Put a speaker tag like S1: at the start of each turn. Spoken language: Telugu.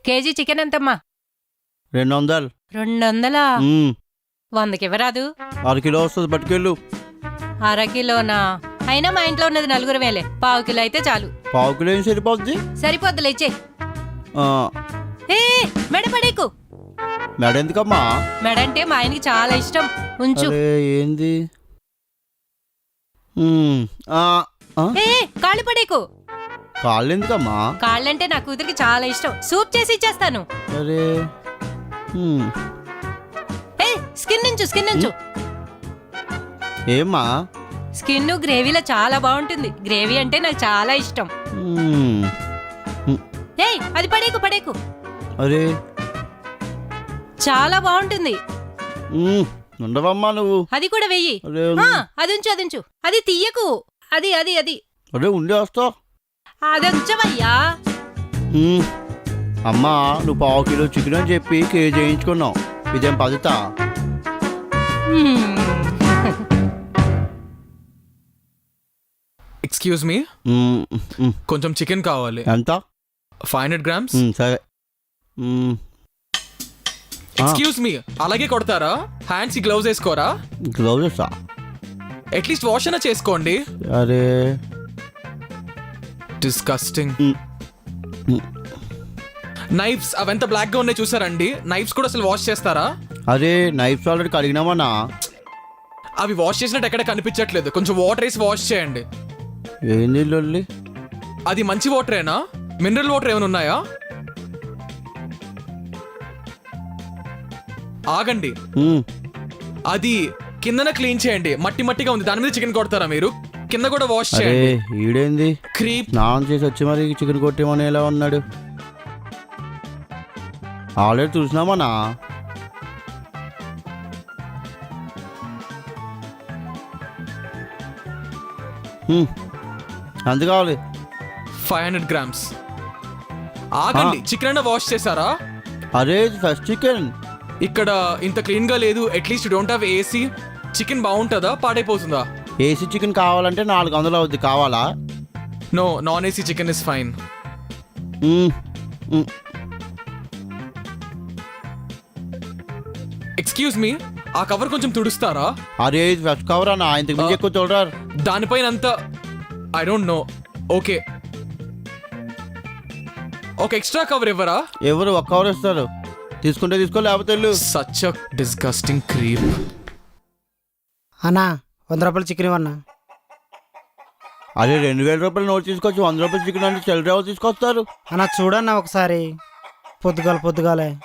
S1: కేజీ చికెన్ ఎంతమ్మా?
S2: 200.
S1: 200? 100కి ఇవ్వరాదు?
S2: అరకిలో వస్తుంది, పట్టుకెళ్ళు.
S1: అరకిలోనా? అయినా మా ఇంట్లో ఉన్నది 4 వేలే, పావు కిలో అయితే చాలు.
S2: పావు కిలో ఏం సరిపోద్ది?
S1: సరిపోద్దులే, ఇచ్చే. ఏ మెడ పడేకు.
S2: మెడ ఎందుకమ్మా?
S1: మెడ అంటే మా ఆయనకి చాలా ఇష్టం, ఉంచు.
S2: ఏంది?
S1: ఏ కాళ్ళు పడేకు.
S2: కాళ్ళు ఎందుకమ్మా?
S1: కాళ్ళంటే నా కూతురికి చాలా ఇష్టం, సూప్ చేసి ఇచ్చేస్తాను.
S2: అరే
S1: ఏ స్కిన్ నుంచు, స్కిన్ నుంచు.
S2: ఏమ్మా?
S1: స్కిన్ గ్రేవీలో చాలా బాగుంటుంది, గ్రేవీ అంటే నాకు చాలా ఇష్టం. ఏయ్ అది పడేకు, పడేకు.
S2: అరే
S1: చాలా బాగుంటుంది.
S2: ఉండవమ్మా నువ్వు.
S1: అది కూడా వెయ్యి. అది ఉంచు, అది ఉంచు. అది తీయకు, అది అది అది.
S2: అరే ఉండే వస్తావు.
S1: అది ఉంచవయ్యా.
S2: అమ్మా నువ్వు పావు కిలో చికెన్ అని చెప్పి కేజీ చేయించుకున్నావు, ఇదేం పద్ధత?
S3: ఎక్స్క్యూజ్ మీ, కొంచెం చికెన్ కావాలి.
S2: ఎంత?
S3: 500 grams.
S2: సరే.
S3: ఎక్స్క్యూజ్ మీ, అలాగే కొడతారా? హ్యాండ్స్ కి గ్లౌజ్ వేసుకోరా?
S2: గ్లౌజెస్
S3: అట్లీస్ట్ వాష్ అయినా చేసుకోండి.
S2: అరే
S3: డిస్కస్టింగ్. నైఫ్స్ అవంతా బ్లాక్ గా ఉన్నాయి చూసారండి, నైఫ్స్ కూడా అసలు వాష్ చేస్తారా?
S2: అరే నైఫ్స్ ఆల్రెడీ కడిగినామన్నా.
S3: అవి వాష్ చేసినట్టు ఎక్కడ కనిపించట్లేదు, కొంచెం వాటర్ వేసి వాష్ చేయండి.
S2: ఏంది లొల్లి?
S3: అది మంచి వాటరేనా? మినరల్ వాటర్ ఏమైనా ఉన్నాయా? ఆగండి, అది కిందన క్లీన్ చేయండి, మట్టి మట్టిగా ఉంది, దాని మీద చికెన్ కొడతారా మీరు? కింద కూడా వాష్ చేయండి.
S2: ఈడేంది
S3: క్రీప్.
S2: స్నానం చేసి వచ్చి మరి చికెన్ కొట్టేమని ఎలా ఉన్నాడు? ఆల్రెడీ చూసినామన్నా. ఎంత కావాలి?
S3: 500 grams. ఆగండి, చికెన్ అయినా వాష్ చేశారా?
S2: అరే ఫస్ట్ చికెన్
S3: ఇక్కడ ఇంత క్లీన్ గా లేదు. At least don't have AC. Chicken బాగుంటుందా, పాడైపోతుందా?
S2: ఏసీ చికెన్ కావాలంటే 400 అవుద్ది, కావాలా?
S3: No, non AC chicken is fine. Excuse me, ఆ కవర్ కొంచెం తుడుస్తారా?
S2: అరే ఫస్ట్ కవర్ అన్న, ఇంతకు మించి ఎక్కువ చూడరారు.
S3: దానిపైన అంతా ఐ డోంట్ నో. ఓకే, ఒక ఎక్స్ట్రా కవర్ ఇవ్వరా?
S2: ఎవరు ఒక కవర్ ఇస్తారు, తీసుకుంటే తీసుకో లేకపోతే వెళ్ళు.
S3: Such a disgusting creep.
S4: అన్నా 100 రూపాయలు చికెన్ ఇవ్వన్నా.
S2: అదే 2000 రూపాయలు నోట్ తీసుకొచ్చి 100 రూపాయలు చికెన్ అంటే చిల్లర తీసుకొస్తారు.
S4: అన్నా చూడన్నా ఒకసారి, పొద్దుగాలే